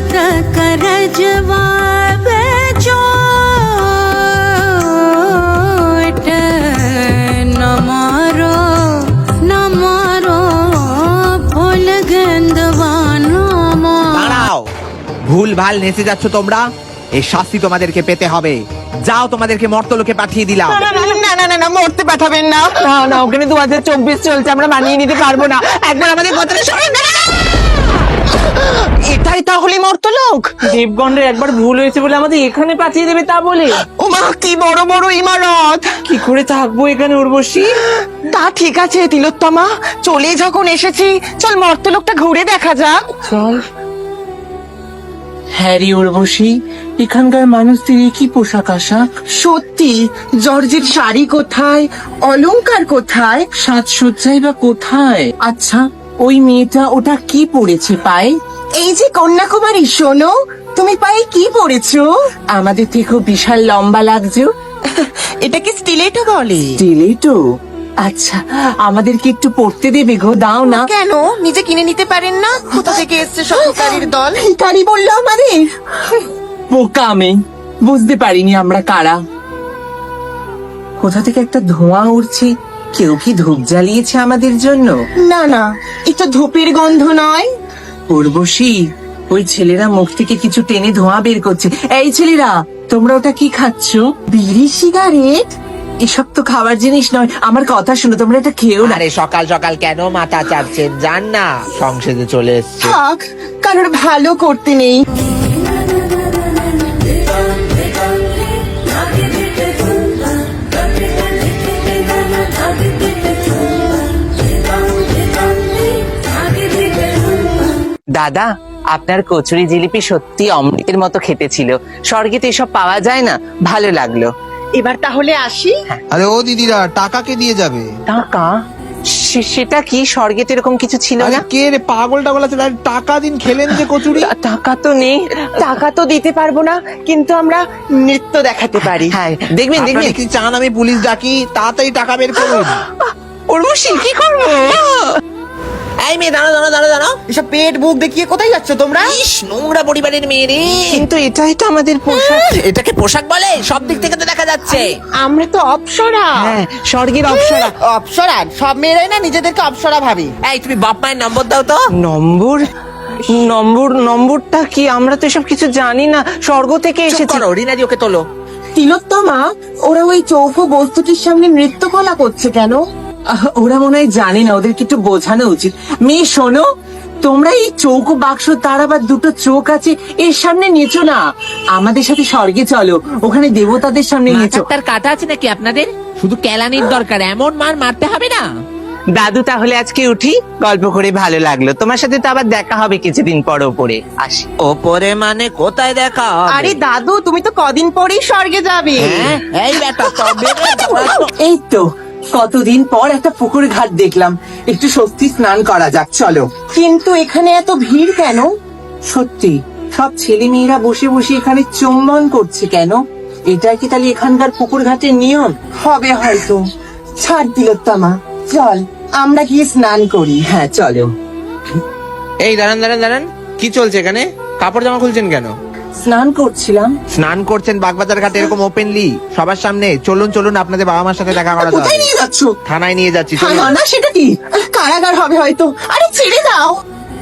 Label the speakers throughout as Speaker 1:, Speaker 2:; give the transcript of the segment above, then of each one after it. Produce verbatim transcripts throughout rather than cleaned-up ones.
Speaker 1: कर जवाब चोट न मारो न मारो फूल गंदवानो
Speaker 2: দাঁড়াও, ভুল ভাল নেচে যাচ্ছ তোমরা, এই শাস্তি তোমাদেরকে পেতে হবে। যাও, তোমাদেরকে মর্তলোকে পাঠিয়ে দিলাম।
Speaker 3: না না না না, মরতে পাঠাবেন না। না না, ওখানে দু হাজার চব্বিশ চলছে, আমরা মানিয়ে নিতে পারবো না। একবার আমাদের কথাটা শুনুন। এটাই তাহলে মর্তলোক?
Speaker 4: দেবগণের একবার ভুল হয়েছে বলে আমাদের এখানে পাঠিয়ে দেবে তা বলে?
Speaker 3: ও মা, কি বড় বড় ইমারত!
Speaker 4: কি করে থাকবো এখানে উর্বশী?
Speaker 3: তা ঠিক আছে তিলোত্তমা, চলে যখন এসেছি, চল মর্তলোকটা ঘুরে দেখা যাক।
Speaker 4: চল। হ্যারি উর্বশী, এখানকার মানুষদের কি পোশাক আশাক?
Speaker 3: সত্যি, জর্জের শাড়ি কোথায়, অলংকার কোথায়,
Speaker 4: সাজসজ্জাই বা কোথায়? আচ্ছা, ওই মেয়েটা ওটা কি পরেছে পায়ে?
Speaker 3: এই যে কন্যাকুমারী, শোনো, তুমি পায়ে কি পরেছো?
Speaker 4: আমাদের থেকেও বিশাল লম্বা লাগছে।
Speaker 3: এটাকে স্টিলেটো বলে।
Speaker 4: স্টিলেটো? আচ্ছা, আমাদেরকে একটু পড়তে দেবে গো, দাও না।
Speaker 3: কেন, নিজে কিনে নিতে পারেন না? কোথা থেকে এসছে সব ভিখারির দল? ভিখারি বললো আমাদের?
Speaker 4: বোকা আমি, বুঝতে পারিনি আমরা কারা। কোথা থেকে একটা ধোঁয়া উঠছে, কেউ কি ধূপ জ্বালিয়েছে আমাদের জন্য?
Speaker 3: না না, এটা ধূপের গন্ধ নয়।
Speaker 4: উর্বশী, ওই ছেলেরা মুখ থেকে কিছু টেনে ধোঁয়া বের করছে। এই ছেলেরা, তোমরা ওটা কি খাচ্ছ?
Speaker 3: বিড়ি সিগারেট?
Speaker 4: এসব তো খাবার জিনিস নয়, আমার কথা শুনো, তোমরা এটা খেও না।
Speaker 2: আরে সকাল সকাল কেন মাথা চাপছেন? জান না, সংসদে চলে এসছে।
Speaker 3: থাক, কারোর ভালো করতে নেই।
Speaker 5: দাদা, আপনার কচুরি জিলিপি সত্যি অমৃতের মতো খেতে ছিল। স্বর্গে তো এসব পাওয়া যায় না, ভালো লাগলো।
Speaker 3: এবার তাহলে আসি।
Speaker 6: আরে ও দিদিরা, টাকা কে দিয়ে যাবে?
Speaker 5: টাকা? সে- সেটা কি? স্বর্গে তো এরকম কিছু ছিল
Speaker 6: আরে
Speaker 5: না।
Speaker 6: কে রে, পাগল টাগল আছে? আরে টাকা দিন, খেলেন যে কচুরি।
Speaker 5: টা- টাকা তো নেই।
Speaker 3: টাকা তো দিতে পারবো না, কিন্তু আমরা নৃত্য দেখাতে পারি।
Speaker 5: হ্যাঁ, দেখবেন দেখবেন।
Speaker 6: আপনারা কি চান আমি পুলিশ ডাকি? তাড়াতাড়ি টাকা বের করুন।
Speaker 5: উর্বশী, কি করবো?
Speaker 2: এই মেয়ে, দাঁড়াও দাঁড়াও দাঁড়াও দাঁড়াও।
Speaker 3: এসব পেট বুক দেখিয়ে কোথায় যাচ্ছ তোমরা?
Speaker 2: ইস, নোংরা পরিবারের মেয়ে রে।
Speaker 5: কিন্তু এটাই তো আমাদের পোশাক।
Speaker 2: এটাকে পোশাক বলে? সব দিক থেকে তো দেখা যাচ্ছে।
Speaker 3: আমরা তো অপ্সরা।
Speaker 5: হ্যাঁ, স্বর্গের অপ্সরা।
Speaker 3: অপ্সরা? সব মেয়েরাই না নিজেদেরকে অপ্সরা ভাবি।
Speaker 2: এই, তুমি বাপ মায়ের নম্বর দাও তো।
Speaker 5: নম্বর? নম্বর? নম্বরটা কি? আমরা তো এসব কিছু জানি না, স্বর্গ থেকে
Speaker 2: চুপ
Speaker 5: এসেছি।
Speaker 2: করো, রিনাজি ওকে তোলো।
Speaker 3: তিলোত্তমা, ওরা ওই চৌফো বস্তুটির সামনে নৃত্য কলা করছে কেন?
Speaker 4: আহ, ওরা মনে হয় জানে না, ওদেরকে একটু বোঝানো উচিত। মেয়ে শোনো, তোমরা এই চৌকো বাক্স, তার আবার দুটো চোখ আছে, এর সামনে নেচো না। আমাদের সাথে স্বর্গে চলো, ওখানে দেবতাদের সামনে নেচো।
Speaker 2: মাথার কাটা আছে নাকি আপনাদের? শুধু কেলানির দরকার, এমন মার মারতে হবে না।
Speaker 5: দাদু, তাহলে আজকে উঠি? গল্প করে ভালো লাগলো। তোমার সাথে তো আবার দেখা হবে কিছুদিন পর। ওপরে আসি।
Speaker 2: ওপরে মানে কোথায় দেখা হবে?
Speaker 3: আরে দাদু, তুমি তো কদিন পরেই স্বর্গে যাবে।
Speaker 2: হ্যাঁ, এই বেটা, তবে রে, তোমরা তো-
Speaker 4: এই তো কতদিন পর একটা পুকুর ঘাট দেখলাম, একটু স্বস্তি স্নান করা যাক, চলো।
Speaker 3: কিন্তু এখানে এত ভিড় কেন?
Speaker 4: সত্যি, সব ছেলে মেয়েরা বসে বসে এখানে চুম্বন করছে কেন? এটা কি তাহলে এখানকার পুকুর ঘাটের নিয়ম?
Speaker 3: হবে হয়তো। ছাড় তিলোত্তমা, চল আমরা গিয়ে স্নান করি।
Speaker 4: হ্যাঁ, চলো।
Speaker 6: এই দাঁড়ান দাঁড়ান দাঁড়ান, কি চলছে এখানে? কাপড় জামা খুলছেন কেন?
Speaker 4: স্নান করছিলাম।
Speaker 6: স্নান করছেন বাগবাজার ঘাটে এরকম ওপেনলি সবার সামনে? চলুন চলুন, আপনাদের বাবা মার সাথে দেখা করা
Speaker 3: কোথায়
Speaker 6: যাবে।
Speaker 3: নিয়ে যাচ্ছ?
Speaker 6: থানায় নিয়ে যাচ্ছি, চলুন।
Speaker 3: না, সেটা কি? কারাগার হবে হয়তো। আরে ছেড়ে দাও।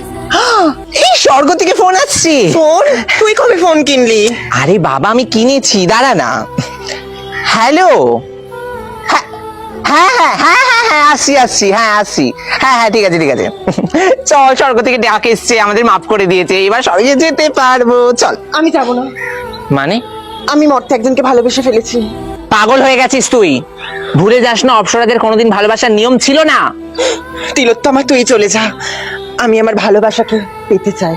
Speaker 5: এই স্বর্গ থেকে ফোন আসছে।
Speaker 3: ফোন? তুই কবে ফোন কিনলি?
Speaker 5: আরে বাবা, আমি কিনেছি, দাঁড়া না। হ্যালো। হ্যাঁ হ্যাঁ হ্যাঁ হ্যাঁ হ্যাঁ হ্যাঁ আসছি আসছি হ্যাঁ আসছি হ্যাঁ হ্যাঁ ঠিক আছে ঠিক আছে। চল, স্বর্গ থেকে ডাক এসছে, আমাদের মাফ করে দিয়েছে, এবার স্বর্গে যেতে পারবো, চল।
Speaker 3: আমি যাবো না।
Speaker 5: মানে?
Speaker 3: আমি মর্তে একজনকে ভালোবেসে ফেলেছি।
Speaker 5: পাগল হয়ে গেছিস তুই? ভুলে যাস না, অপ্সরাদের কোনোদিন ভালোবাসার নিয়ম ছিল না।
Speaker 3: তিলোত্তমা, তুই চলে যা, আমি আমার ভালোবাসাকে পেতে চাই।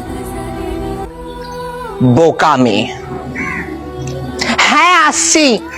Speaker 5: বোকা মেয়ে। হ্যাঁ আসছি।